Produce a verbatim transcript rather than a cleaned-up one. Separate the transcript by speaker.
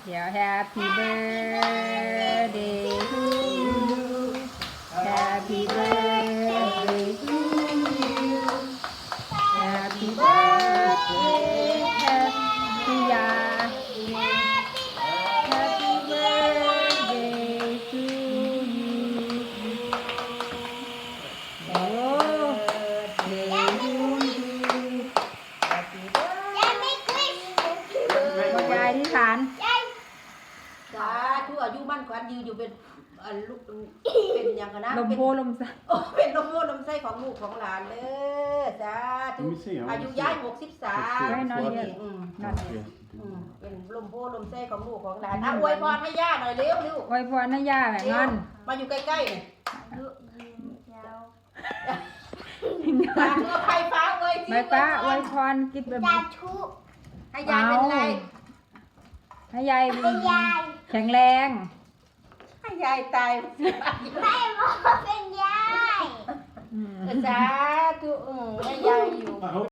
Speaker 1: เดี๋ยว Happy birthday to you Happy birthday to you Happy birthday Happy ya Happy birthday to you โอ้เดย์ทูยูพ่อยายที่ฐาน
Speaker 2: สาธุอายุมั่นขวัญยืนอยู่เป็นอันลูกเป็นอย่างกันนะ
Speaker 1: ลมโพลมใส
Speaker 2: โอ้เป็นลมโพลมไส้ของลูกของหลานเลยสาธุ
Speaker 3: Let me see, I wanna
Speaker 2: อายุ
Speaker 3: see.
Speaker 2: ย้ายหกสิบสาม
Speaker 1: ไม่น้อยเดียว
Speaker 2: อืม
Speaker 1: นั่น
Speaker 3: Yeah.
Speaker 2: อืมเป็นลมโพลมไส้ของลูกของหลานอ่ะอวยพรให้ย่าหน่อยเร็วเร็ว
Speaker 1: ไว้พรนะย่าแห่งงอน
Speaker 2: มาอยู่ใกล้ๆหน่อยสาธุไฟฟ้าเลย
Speaker 1: ใบป้าไว้พรกินแบบ
Speaker 2: ให้ยายเป็นไร
Speaker 1: ให้ยายแข็งแรง
Speaker 2: ให้ยายตาย
Speaker 1: อืม
Speaker 2: สาธุอืมให้ยายอยู่
Speaker 3: I hope